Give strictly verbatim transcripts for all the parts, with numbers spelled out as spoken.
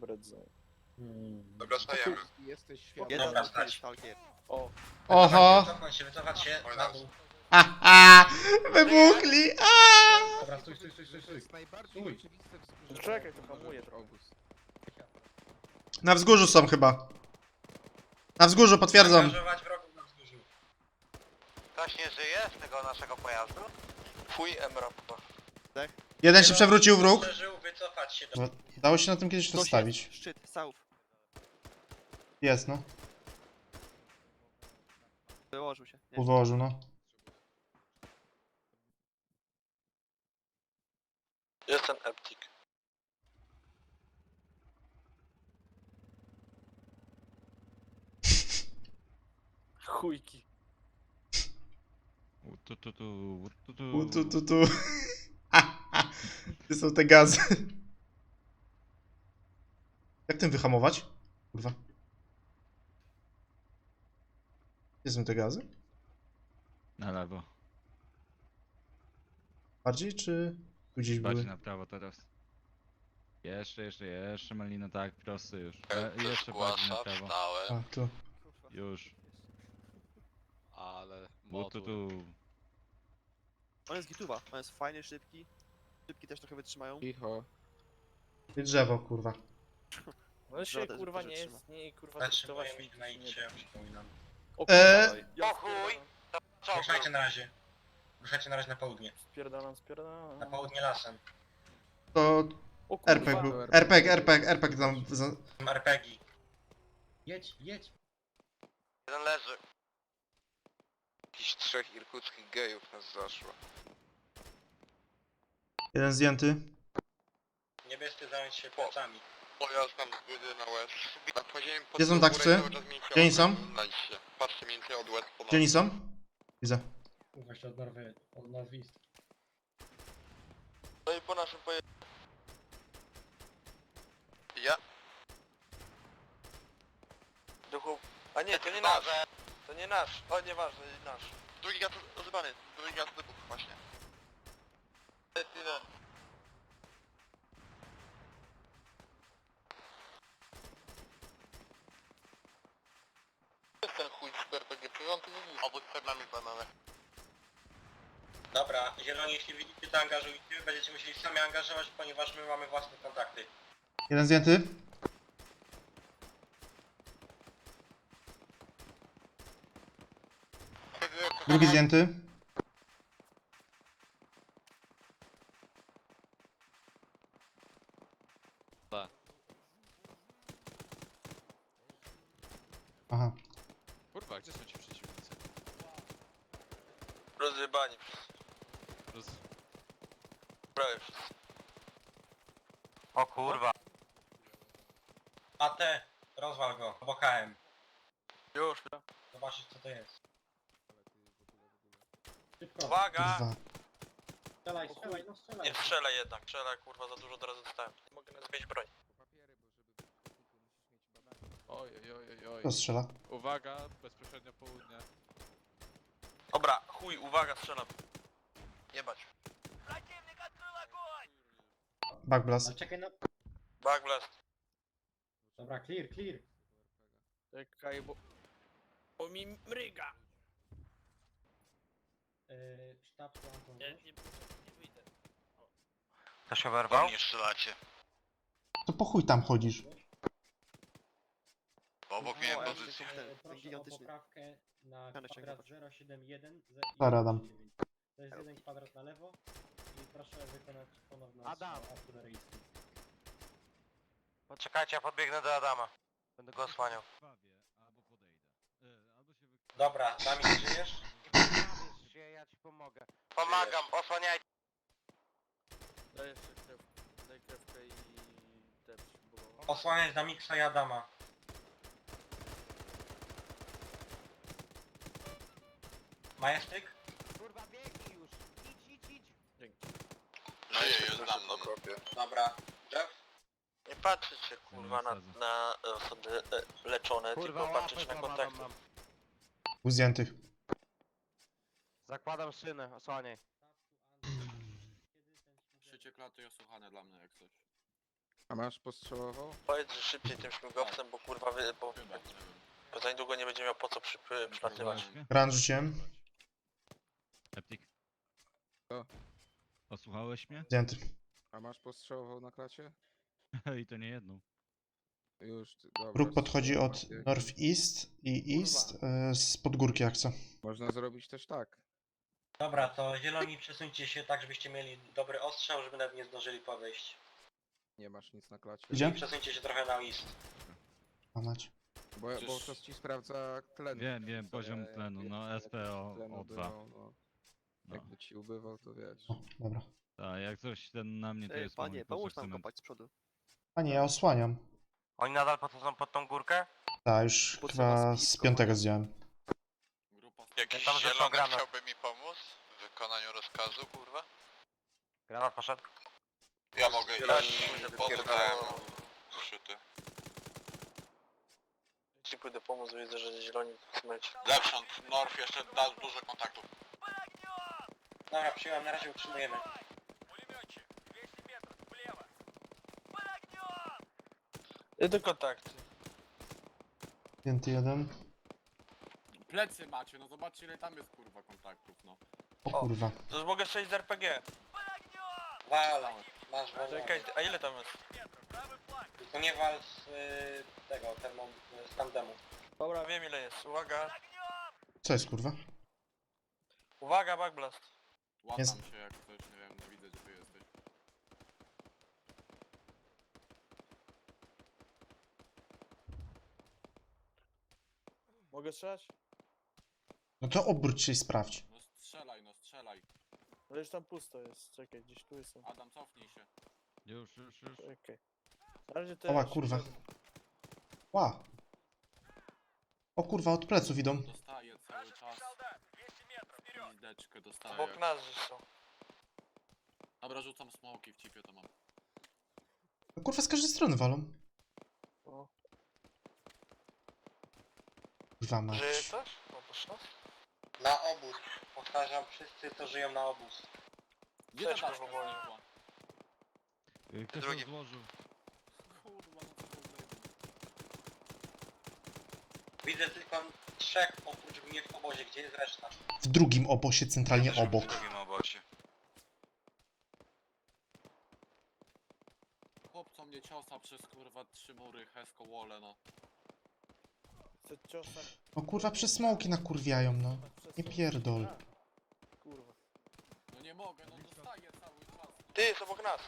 w red zone. Hmm. Dobra, stajemy. Jesteś świadom. Jeden Dobra, tam stać. stalkier. O, Oho! Wycofać się, wycofać się, Oj, na nas. dół. Aha! Wybuchli! A! Dobra, stój, stój, stój, stój, stój. najbardziej Stój. oczywiste wzgórze. Czekaj, to hamuję trochę. Na wzgórzu są chyba. Na wzgórzu, potwierdzam. Angażować wrogów na wzgórzu. Ktoś nie żyje z tego naszego pojazdu? Twój M-Rappa. Jeden się przewrócił wróg. Przeżył, wycofać się do... No, dało się na tym kiedyś Ktoś rozstawić. jest. Szczyt, south. Jest, no. Wyłożył się. Nie. Uwożył, no. Jestem Eptik. chujki. U, Tu, tu, tu, u, tu, tu. U, tu, tu, tu. Gdzie są te gazy? Jak tym wyhamować? Kurwa. Gdzie są te gazy? Na lewo. Bardziej czy tu gdzieś Bardziej były? na prawo teraz. Jeszcze, jeszcze, jeszcze malina, tak, prosty już. E, jeszcze bardziej na prawo. A, tu. Już. Ale U, tu, tu. On jest gituwa. On jest fajny, szybki. Szybki też trochę wytrzymają. Cicho. I drzewo, kurwa. No się Dobra, kurwa że nie trzyma. jest, nie kurwa traktować Zatrzymujemy się na nie idzie, da. przypominam. O Eee. kurwa, ja O chuj! Ruszajcie na razie. Ruszajcie na razie na południe. spierdalam, spierdalam. Na południe lasem. To O kurwa. R P G był. R P G, R P G, R P G tam. za- Są er pe gie. Jedź, jedź. Jeden leży. Jakichś trzech irkuckich gejów nas zaszło. Jeden zdjęty. Niebiescy zająć się płacami. Pojazd nam zbydy na łez. Na poziomie pod Gdzie są górę taksy? cały czas mniejsze Gdzie oni okna. są? Znajdźcie. Patrzcie mniej więcej od łez po Gdzie oni są? Widzę. Właśnie od Norwy, od Norwist. No i po naszym pojeździe. Ja. Duchu. A nie, to nie nasz. To nie nasz. O, nieważne, nasz. Drugi gaz rozrywany. Drugi gaz wybuch właśnie. Tyle. Jest ten chuj z er pe gie, przecież on tu nie jest. Obok przed nami banane. Dobra, zieloni, jeśli widzicie, to angażujcie. Będziecie musieli sami angażować, ponieważ my mamy własne kontakty. Jeden zdjęty. Drugi zdjęty. Aha. Kurwa, gdzie są ci przeciwnicy? Rozrybani. Roz... Prawie wszyscy. O kurwa. A te, rozwal go, obok K M. Już. Zobaczyć co to jest. Szybko. Uwaga! Kurwa. Strzelaj, strzelaj, no strzelaj. Nie strzelaj jednak, strzelaj kurwa, za dużo teraz dostałem. Nie mogę nawet zmienić broń. Oj, oj, oj, oj, oj. Kto strzela? Uwaga, bezpośrednio południe. Dobra, chuj, uwaga, strzelam. Jebać. Backblast. Ale czekaj na... Backblast. Dobra, clear, clear. Czekaj, bo... O mi mryga! Yy, sztab lampowy. Nie, nie, nie wyjdę. To się wyrwał? Nie strzelacie. To po chuj tam chodzisz. Obok No, miałem ale pozycję. to- Yy, Proszę o gigantyczny. poprawkę na Ale kwadrat czekaj, zero siedem jeden. Dobra, Adam. To jest jeden kwadrat na lewo. I proszę wykonać ponowny Adam. ostrzał artyleryjski. Poczekajcie, ja podbiegnę do Adama. Będę go osłaniał. Dobra, Dami, żyjesz? Ja ci pomogę. Pomagam, osłaniajcie. Daj jeszcze krew, daj krewkę i... depcz, bo... Osłaniać Damixa i Adama. Majestyk? Kurwa, biegnij już. Idź, idź, idź. Żyje, jest za mną. Dobra. Jeff? Nie patrzeć się kurwa na, na osoby e, leczone, tylko patrzeć na kontakty. Dwóch zdjętych. Zakładam szynę, osłaniaj. Trzecie klaty i osłuchane dla mnie jak coś. A masz postrzałową? Powiedz, że szybciej tym śmigłowcem, bo kurwa, wy, bo, Chyba, nie wiem. bo za niedługo nie będzie miał po co przy, przy, przylatywać. Ran rzuciłem. Eptik. Co? Posłuchałeś mnie? Zdjęty. A masz postrzałową na klacie? I to nie jedną. Już, ty- dobra. Róg podchodzi od strzelam. Northeast i East e, z podgórki jak co. Można zrobić też tak. Dobra, to zieloni przesuńcie się tak, żebyście mieli dobry ostrzał, żeby nawet nie zdążyli podejść. Nie masz nic na klacie. Gdzie? I przesuńcie się trochę na east. Panać. Bo, bo Przecież- to ci sprawdza tlen. Wiem, wiem, poziom tlenu, no, S P O tlenu O dwa. było, no. No. Jakby ci ubywał, to wiesz. O, dobra. Tak, jak coś ten na mnie to Ej, jest panie, mój pomóż poseł nam cement. kopać z przodu. Panie, ja osłaniam. Oni nadal podchodzą pod tą górkę? Tak, już Potrzeba chyba speed z piątego zdjąłem. Grupa Jakiś tam zaczął zielony granat. chciałby mi pomóc w wykonaniu rozkazu, kurwa? Granat poszedł. Ja mogę Ja iść, pójdę pomóc pomóc. zszyty. Jeśli pójdę pomóc, widzę, że zieloni w cmencie. Zewsząd, North jeszcze da dużo kontaktów. Dobra, przyjąłem, na razie utrzymujemy. Idę kontakty. Zdjęty jeden. Plecy macie, no zobaczcie ile tam jest kurwa kontaktów, no. O kurwa. To już mogę strzelić z R P G. Wal, masz wolę. Czekaj, a ile tam jest? Tylko nie wal z y, tego, termo, z tandemu. Dobra, wiem ile jest. Uwaga. Co jest kurwa? Uwaga, backblast. Łatam Jest. się jak coś, nie wiem, nie widzę gdzie ty jesteś. Mogę strzelać? No to obróć się i sprawdź. No strzelaj, no strzelaj. Ale już tam pusto jest, czekaj, gdzieś tu jestem. Adam, cofnij się. Już, już, już. Czekaj. Na razie to Oła ja kurwa. się- Ła. O kurwa, od pleców idą. Dostaję cały czas. Pizdeczkę dostaję. Obok nas gdzieś są. Dobra, rzucam smoki w cipie, to mam. No kurwa, z każdej strony walą. O. Kurwa mać. Żyje ktoś? Oprócz nas? Na obóz. Powtarzam, wszyscy to żyją na obóz. Gdzie Też ta go baszka powoli. kurwa? Y, Ktoś Drugi. ją złożył. Kurwa, no co to jest? Widzę tylko trzech oprócz mnie w obozie, gdzie jest reszta? W drugim obozie, centralnie obok. Chłopco mnie ciosa przez kurwa trzy mury, hesko wole, no. Chcę ciosa. No kurwa, przez smoki nakurwiają, no. przez- Nie pierdol. A, kurwa. No nie mogę, no dostaję cały czas. Ty, jest obok nas.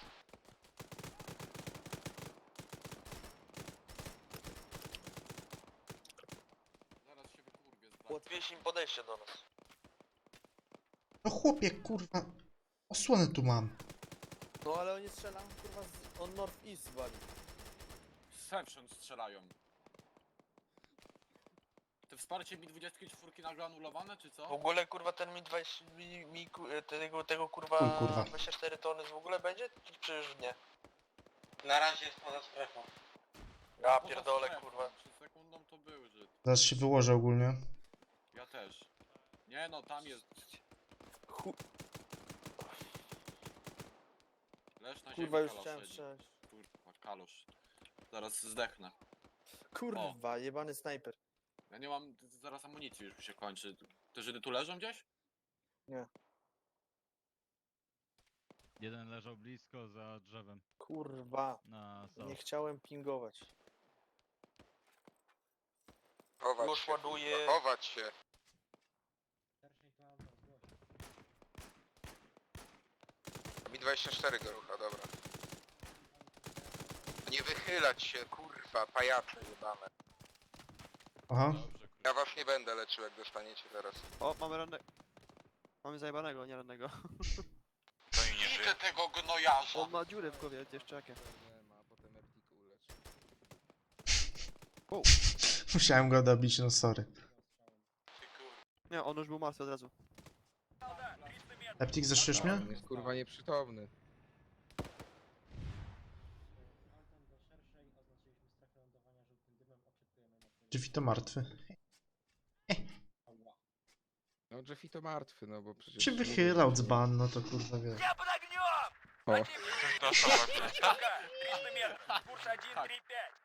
Zaraz się wykurwię z braki. Łatwiej im podejście do nas. No chłopie, kurwa. Osłonę tu mam. No ale oni strzelają kurwa z... on North East wali. Zewsząd strzelają. Te wsparcie mi dwadzieścia cztery nagle anulowane, czy W co? ogóle kurwa ten mi dwadzieścia, mi, mi, ku- e, tego, tego kurwa, Chuj, kurwa. dwadzieścia cztery tony w ogóle będzie? Czy przecież nie? Na razie jest poza strefą. Ja Poza pierdolę strefą, kurwa. Przed sekundą to był Żyd. Zaraz się wyłożę ogólnie. Ja też. Nie no, tam jest. Leż na ziemi, Kurwa już kalosz chciałem siedzi. strzelać. Kurwa, kalosz. Zaraz zdechnę. Kurwa, jebany snajper. Ja nie mam, zaraz amunicji już mi się kończy. Te Żydy tu leżą gdzieś? Jeden leżał blisko za drzewem Kurwa. na Nie south. chciałem pingować. Chować Już się, ładuję. kurwa, chować się. Mi dwadzieścia cztery go rucha, dobra. Nie wychylać się, kurwa, pajace jebane. Aha. Dobrze, kurwa. Ja was nie będę leczył, jak dostaniecie teraz. O, mamy rannego. Mamy zajebanego, nie rannego. No i nie Widzę tego gnojarza! On ma dziurę w głowie, dziewczakę. Nie ma, a potem Ertiku ulecz. Musiałem go dobić, no sorry. Nie, on już był martwy od razu. Eptik, zeszczysz mnie? On jest kurwa nieprzytomny. Drzwi to martwy. No Jeffy to martwy, no bo przecież... Się mówię, wychylał że- dzban, no to kurwa wiesz. O. To są Трижды метр. Курс один три пять.